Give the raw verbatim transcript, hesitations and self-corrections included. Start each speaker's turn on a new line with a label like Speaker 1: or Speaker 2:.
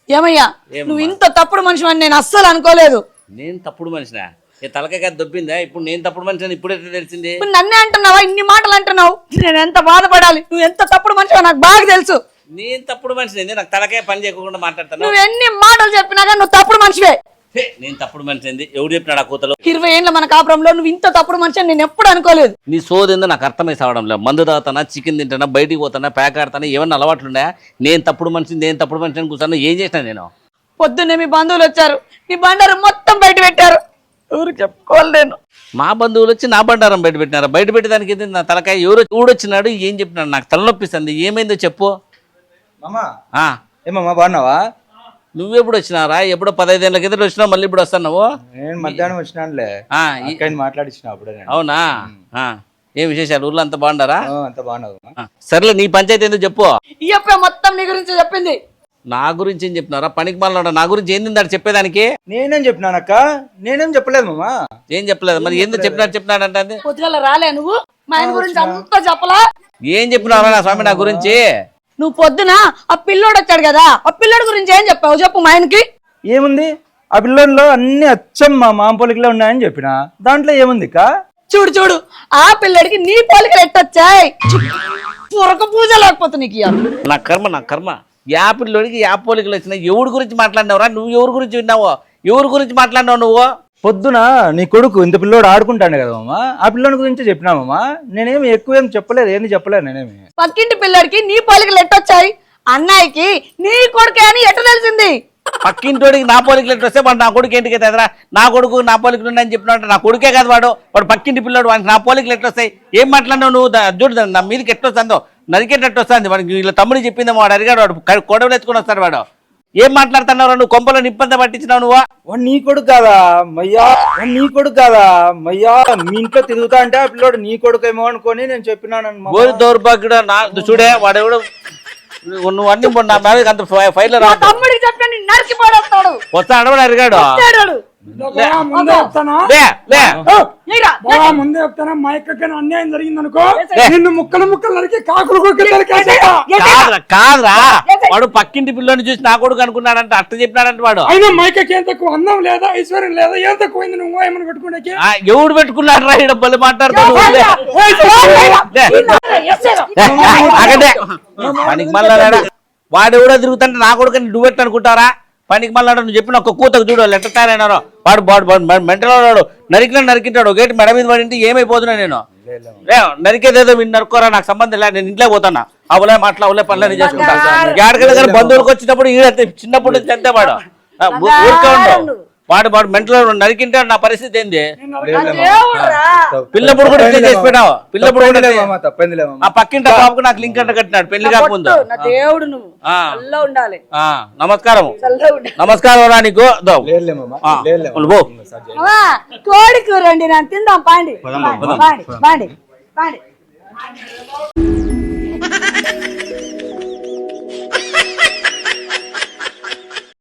Speaker 1: ఏమయ్యా నువ్వు ఇంత తప్పుడు మనిషి అని నేను అస్సలు అనుకోలేదు.
Speaker 2: నేను తప్పుడు మనిషినా? ఏ తలకాయ దొబ్బిందా? ఇప్పుడు నేను తప్పుడు మనిషి అని ఇప్పుడు ఎట్లా తెలిసింది?
Speaker 1: నన్నే అంటున్నావా? ఇన్ని మాటలు అంటున్నావు, నేను ఎంత బాధపడాలి. నువ్వు ఎంత తప్పుడు మనిషి నాకు బాగా తెలుసు.
Speaker 2: నేను తప్పుడు మనిషిని? నాకు తలకాయ పని చేయకుండా మాట్లాడతాను.
Speaker 1: నువ్వు ఎన్ని మాటలు చెప్పినా కానీ నువ్వు తప్పుడు మనిషివే.
Speaker 2: నేను తప్పుడు మనిషి ఏంది? ఎవడు చెప్పినాడు ఆ కూతలు?
Speaker 1: ఇరవై ఏళ్ళ మన కాపురంలో నువ్వు ఇంత తప్పుడు మనిషి అని నేను ఎప్పుడు అనుకోలేదు.
Speaker 2: నీ సోదేందో నాకు అర్థమై సావడం లేదు. మందు తాగుతానా, చికెన్ తింటానా, బయటికి పోతానా, ప్యాక్ ఆడతానా, ఏమన్నా అలవాట్లు ఉన్నాయా? నేను తప్పుడు మనిషిని నేను తప్పుడు మనిషి అని కూర్చున్నా. ఏం చేసినా నేను?
Speaker 1: పొద్దున్నే మీ బంధువులు వచ్చారు, నీ బండారం మొత్తం బయట పెట్టారు. ఎవరు చెప్పుకోవాలి నేను?
Speaker 2: మా బంధువులు వచ్చి నా బండారం బయట పెట్టినారా? బయట పెట్టడానికి నా తలకాయ ఎవరు ఊడొచ్చినాడు? ఏం చెప్పినాడు? నాకు తలనొప్పిస్తుంది. ఏమైందో చెప్పు.
Speaker 3: ఏమమ్మా బాగున్నావా?
Speaker 2: నువ్వెప్పుడు వచ్చినారా? ఎప్పుడో పదహైదేళ్ళ కింద వచ్చినావు, మళ్ళీ ఇప్పుడు వస్తున్నావు?
Speaker 3: నేను మధ్యాహ్నం వచ్చినానులే, మాట్లాడించిన అప్పుడే.
Speaker 2: అవునా? ఏం విశేషాలు? ఊర్లో అంత బాగుండారా?
Speaker 3: అంత బాగున్నావు.
Speaker 2: సర్లే, నీ పంచాయతీ ఏందో చెప్పు.
Speaker 1: ఈ అప్ప మొత్తం నీ గురించి చెప్పింది.
Speaker 2: నా గురించి ఏం చెప్తున్నారా? పనికి మాల నా గురించి ఏంది దాడు చెప్పేదానికి?
Speaker 3: నేనేం చెప్పినానక్క? నేనేం చెప్పలేదు మామా.
Speaker 2: ఏం చెప్పలేదు? మరి ఏందో చెప్పినాడు చెప్పినాడు అంటే
Speaker 1: పొద్దుగల రాలే నువ్వు? మా ఆయన గురించి అంతా చెప్పలా?
Speaker 2: ఏం చెప్పినారా నా స్వామి నా గురించి?
Speaker 1: నువ్వు పొద్దున ఆ పిల్లోడు వచ్చాడు కదా, ఆ పిల్లోడు గురించి ఏం చెప్పావు చెప్పు మా ఆయనకి.
Speaker 3: ఏముంది ఆ పిల్లోడిలో? అన్ని అచ్చం మా మామ పోలికలే ఉన్నాయని చెప్పిన. దాంట్లో ఏముంది కా?
Speaker 1: చూడు చూడు, ఆ పిల్లడికి నీ పోలికలు ఎట్టొచ్చాయి? పొరక పూజ లేకపోతే నీకు ఇయ్యాలి.
Speaker 2: నా కర్మ నా కర్మ. యా పిల్లోడికి యా పోలికలు వచ్చినాయి? ఎవరి గురించి మాట్లాడినావురా నువ్వు? ఎవరి గురించి విన్నావు? ఎవరి గురించి మాట్లాడినావు నువ్వు?
Speaker 3: పొద్దున నీ కొడుకు ఇంత పిల్లోడు ఆడుకుంటాడు కదా మామ, ఆ పిల్లోడి గురించి చెప్పినామమ్మా. నేనేమి ఎక్కువ ఏం చెప్పలేదు, ఏంది చెప్పలేదు నేనేమి.
Speaker 1: పక్కింటి పిల్లడికి నీ పోలికలు ఎట్టొచ్చాయి? అన్నయ్యకి నీ కొడుకే అని ఎట్ట తెలిసింది?
Speaker 2: పక్కింటోడికి నా పోలికలు ఎట్టు వస్తే వాడు నా కొడుకు ఏంటికి ఎదురా? నా కొడుకు నా పోలికలు ఉన్నాయని చెప్పినట్టు నా కొడుకే కదా వాడు. వాడు పక్కింటి పిల్లోడు, వాడికి నా పోలికలు ఎట్టు వస్తాయి? ఏం మాట్లాడినావు నువ్వు? చూడు నా మీదకి ఎట్టు వస్తుందో, నరికేటట్టు వస్తుంది. వాడికి వీళ్ళ తమ్ముడు చెప్పిందేమో, వాడు అడిగాడు, వాడు కొడవలు ఎత్తుకుని వస్తాడు వాడు. ఏం మాట్లాడుతున్నావు నువ్వు? కొంపలో నిప్పంతా పట్టించినావు నువ్వు.
Speaker 3: వాడు నీ కొడుకు కాదా మయ్యా? వాడు నీ కొడుకు కాదా మయ్యా? మీ ఇంట్లో తిరుగుతా అంటే ఆ పిల్లోడు నీ కొడుకు ఏమో అనుకొని నేను చెప్పినాను.
Speaker 2: గోరి దౌర్భాగ్యుడు నా చూడే వాడెవడు. నువ్వు అన్ని నా మీద అంత ఫైల్ రా.
Speaker 1: తమ్ముడికి చెప్పండి, నరికి పడేస్తాడు.
Speaker 2: వస్తా అడవాడు అడిగాడు.
Speaker 4: ముందే చెప్తానా ముందే చెప్తానా మా ఎక్కడికి అన్యాయం జరిగింది అనుకో, నిన్ను ముక్కలు ముక్కలు నరికి కాకులు
Speaker 2: కాదురా. వాడు పక్కింటి పిల్లని చూసి నా కొడుకు అనుకున్నాడంట, అట్ట చెప్పినాడంట వాడు.
Speaker 4: అయినా మైకకి ఏం తక్కువ? అందం లేదా, ఐశ్వర్యం లేదా? ఏం తక్కువైంది? నువ్వు ఏమని పెట్టుకునే?
Speaker 2: ఎవడు పెట్టుకున్నాడు రా? ఇక్కడ బలి మాట్లాడుతాడు. పనికి మళ్ళా వాడు ఎవడో తిరుగుతుంటే నా కొడుకు నువ్వెట్టు అనుకుంటారా? పనికి మళ్ళా నువ్వు చెప్పిన ఒక కూతకు చూడు ఎట్ట తయారైనారో. వాడు వాడు మెంటల్ వాడు నరికినా నరికింటాడు. గేట్ మెడ మీద పడింటే ఏమైపోతున్నా నేను? నరికేదేదో మీరు నరుకోరా, నాకు సంబంధం లేదు. నేను ఇంట్లో పోతానా? అవులే మాట్లా అవులే పనులని చేసుకుంటాను. ఏడకెళ్ళి బంధువులకు వచ్చినప్పుడు ఈడంతే చిన్నప్పుడు నుంచి అంతే వాడు. ఊరికే ఉండవు. వాడు వాడు మెంటల్ నరికింటాడు. నా పరిస్థితి ఏంది? పిల్లప్పుడు కూడా ఇట్లా చేసి పెట్టావు. పిల్లప్పుడు ఆ పక్కింటి బాబుకు నాకు లింక్ అంట కట్టినాడు పెళ్లి కాకముందు. నమస్కారం నమస్కారం రా నీకు.
Speaker 1: కోడి కూర అండి, నేను తిందాం పాండి పాండి పాండి పాండి.